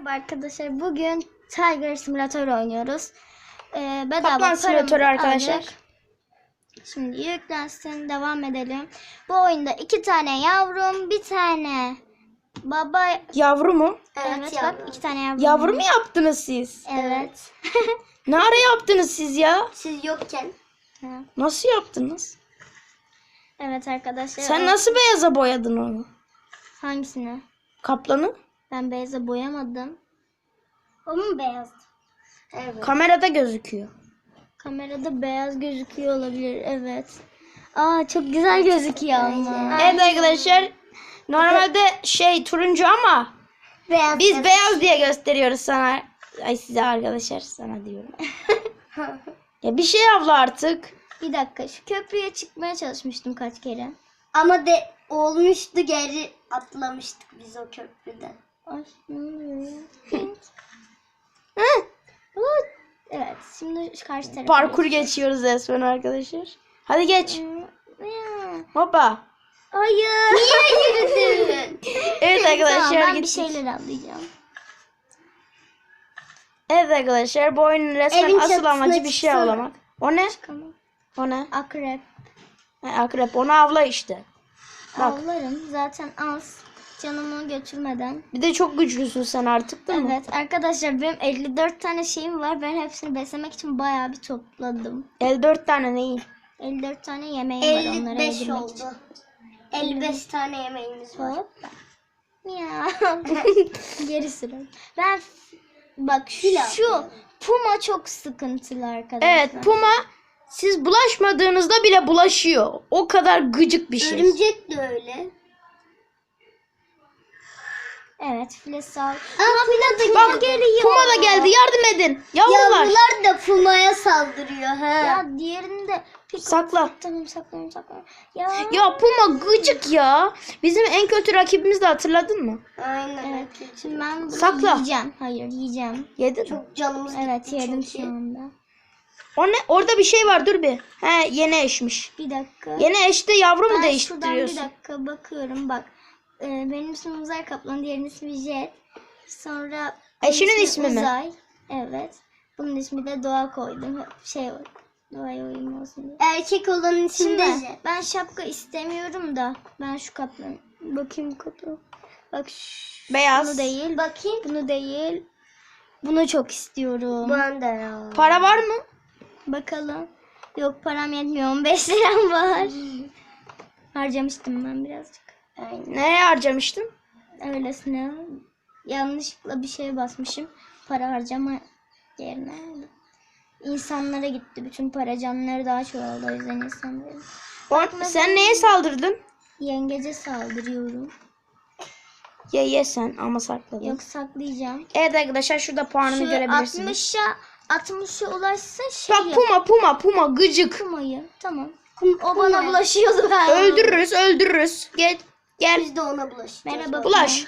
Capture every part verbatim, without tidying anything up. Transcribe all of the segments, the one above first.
Merhaba arkadaşlar. Bugün Tiger Simulator oynuyoruz. Ee, bedava Kaplan Simulator arkadaşlar. aldık. Şimdi yüklensin, devam edelim. Bu oyunda iki tane yavrum, bir tane baba. Yavru mu? Evet, evet bak iki tane yavrum. Yavru mu yaptınız siz? Evet. Ne ara yaptınız siz ya? Siz yokken. Nasıl yaptınız? Evet arkadaşlar. Sen o... nasıl beyaza boyadın onu? Hangisini? Kaplanı? Ben beyaza boyamadım. O mu beyazdı? Evet. Kamerada gözüküyor. Kamerada beyaz gözüküyor olabilir. Evet. Aa çok güzel gözüküyor ama. Evet arkadaşlar. Normalde şey turuncu ama Beyaz. biz beyaz diye gösteriyoruz sana. Ay size arkadaşlar sana diyorum. Ya bir şey avla artık. Bir dakika, şu köprüye çıkmaya çalışmıştım kaç kere. Ama de olmuştu, geri atlamıştık biz o köprüden. Ay ne oluyor ya? Hı? Evet şimdi şu karşı tarafa. Parkur geçiyoruz resmen arkadaşlar. Hadi geç. Ya. Hoppa. Hayır. Niye yürüdün? Evet arkadaşlar Tamam, ben bir gittik. şeyler anlayacağım. Evet arkadaşlar bu oyunun resmen Evin asıl çatısına amacı bir şey çıksana. avlamak. O ne? Çıkamam. O ne? Akrep. Ha, akrep onu avla işte. Bak. Avlarım zaten az. Canımı götürmeden. Bir de çok güçlüsün sen artık değil mi? Evet arkadaşlar benim elli dört tane şeyim var. Ben hepsini beslemek için bayağı bir topladım. elli dört tane neyi? elli dört tane yemeğim var onlara elli beş yedirmek oldu. için. elli beş tane yemeğimiz var. Hop. Ya. Geri sürün. Ben bak şu, şu puma çok sıkıntılı arkadaşlar. Evet puma siz bulaşmadığınızda bile bulaşıyor. O kadar gıcık bir şey. Örümcek de öyle. Evet file sal. Aa, Puma da Bak geliyor. puma da geldi yardım edin. Yavrular. Yavrular da Puma'ya saldırıyor. He. Ya diğerini de pick Sakla. Tamam saklanıyorum saklanıyorum. Ya. Ya puma gıcık ya. Bizim en kötü rakibimiz de hatırladın mı? Aynen. Evet. Şimdi ben bunu Sakla. yiyeceğim. Hayır yiyeceğim. Yedin mi? Çok canımız Evet gitti yedim çünkü. şu anda. O ne? Orada bir şey var dur bir. He yeni eşmiş. Bir dakika. Yeni eşte yavru mu Ben şuradan bir değiştiriyorsun? dakika bakıyorum bak. Ee, benim ismim Uzay Kaplan, diğerinin ismi Jet. Sonra bunun Eşinin ismi mi? Uzay. Evet. Bunun ismi de Doğa koydum. Şey Doğa'ya uyum olsun diye. Erkek olanın içinde Şimdi Jet. ben şapka istemiyorum da ben şu kaplan. Bakayım kaplan. Bak şu, Beyaz. bunu değil. Bakayım. Bunu değil. Bunu çok istiyorum. Ben de ya. Para var mı? Bakalım. Yok param yetmiyor. on beş liram var. Harcamıştım ben birazcık. Aynen. Nereye harcamıştın? Öylesine yanlışlıkla bir şeye basmışım. Para harcama yerine. İnsanlara gitti. Bütün para canları daha çoğaldı. O yüzden insanların. O- sen neye saldırdın? Yengece saldırıyorum. Ye ye sen ama sakladın. Yok saklayacağım. Evet arkadaşlar şurada puanımı Şu görebilirsiniz. altmışa altmışa ulaşsın şey Bak yap. puma puma puma gıcık. Pumayı. Tamam. Kum, O bana bulaşıyordu ben. Öldürürüz öldürürüz. Gel gel Biz de ona bulaşacağız. Merhaba. bulaş.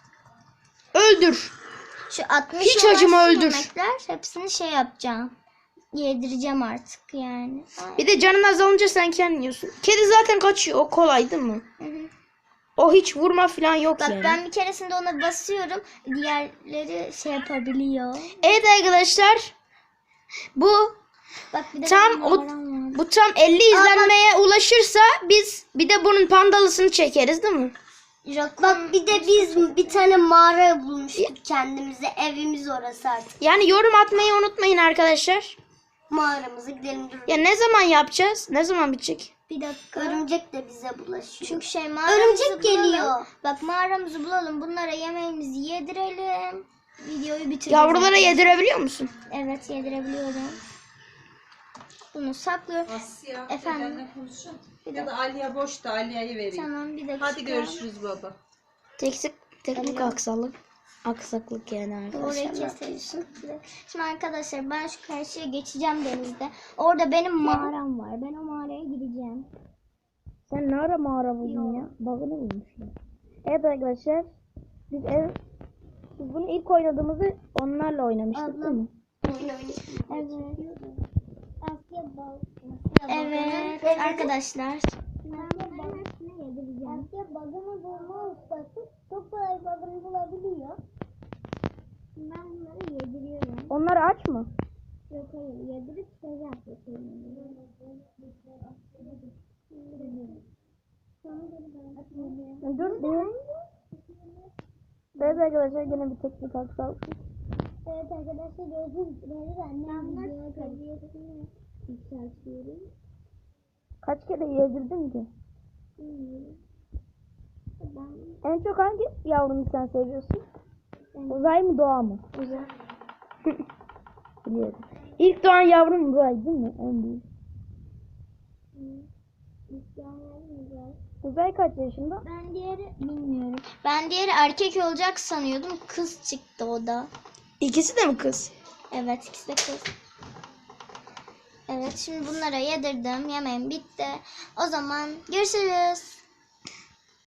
Öldür. Şu altmış Hiç acıma öldür. yemekler hepsini şey yapacağım. Yedireceğim artık yani. Ay. Bir de canın azalınca sen kendin yiyorsun. Kedi zaten kaçıyor. O kolay değil mi? Hı hı. O hiç vurma falan yok Bak yani. ben bir keresinde ona basıyorum. Diğerleri şey yapabiliyor. Evet arkadaşlar. Bu Bak bir de tam benim o numaram var. bu tam elli izlenmeye ulaşırsa biz bir de bunun pandalısını çekeriz değil mi? Bak bir de biz bir tane mağara bulmuştuk kendimize. Evimiz orası artık. Yani yorum atmayı unutmayın arkadaşlar. Mağaramıza gidelim durun. Ya ne zaman yapacağız? Ne zaman bitecek? Bir dakika. Örümcek de bize bulaşıyor. Çünkü şey mağaramızı Örümcek bulalım. geliyor. Bak mağaramızı bulalım. Bunlara yemeğimizi yedirelim. Videoyu bitireceğiz. Yavrulara arkadaşlar. yedirebiliyor musun? Evet yedirebiliyorum. Bunu saklıyorum. Asya, Efendim? dedenle konuşun. Bir Ya da Aliye boş da Aliye'yi vereyim. Tamam bir dakika. Hadi görüşürüz baba. Teknik, teknik aksaklık. Aksaklık yani Orayı arkadaşlar. keseriz. Şimdi arkadaşlar ben şu karşıya geçeceğim denizde. Orada benim mağaram var. Ben o mağaraya gideceğim. Sen ne ara mağara buldun ya? Bağını bulmuşlar. Evet arkadaşlar. Biz ev biz bunu ilk oynadığımızda onlarla oynamıştık değil mi? Evet. Evet arkadaşlar. Ben bunları yediriyorum. Onlar aç mı? Yok hayır, yedirip şey yapıyorum. Dur bir. Evet arkadaşlar yine bir teknik aksaklık. Evet arkadaşlar gördüğünüz gibi annem video kalitesini yükseltiyorum. Kaç kere yedirdin ki? Bilmiyorum. Ben En çok hangi yavrunu sen seviyorsun? Uzay mı doğa mı? uzak. Biliyorum. İlk doğan yavrum uzay değil mi? En büyük. Uzay kaç yaşında? Ben diğeri bilmiyorum. Ben diğeri erkek olacak sanıyordum. Kız çıktı o da. İkisi de mi kız? Evet ikisi de kız. Evet şimdi bunlara yedirdim. Yemeğim bitti. O zaman görüşürüz.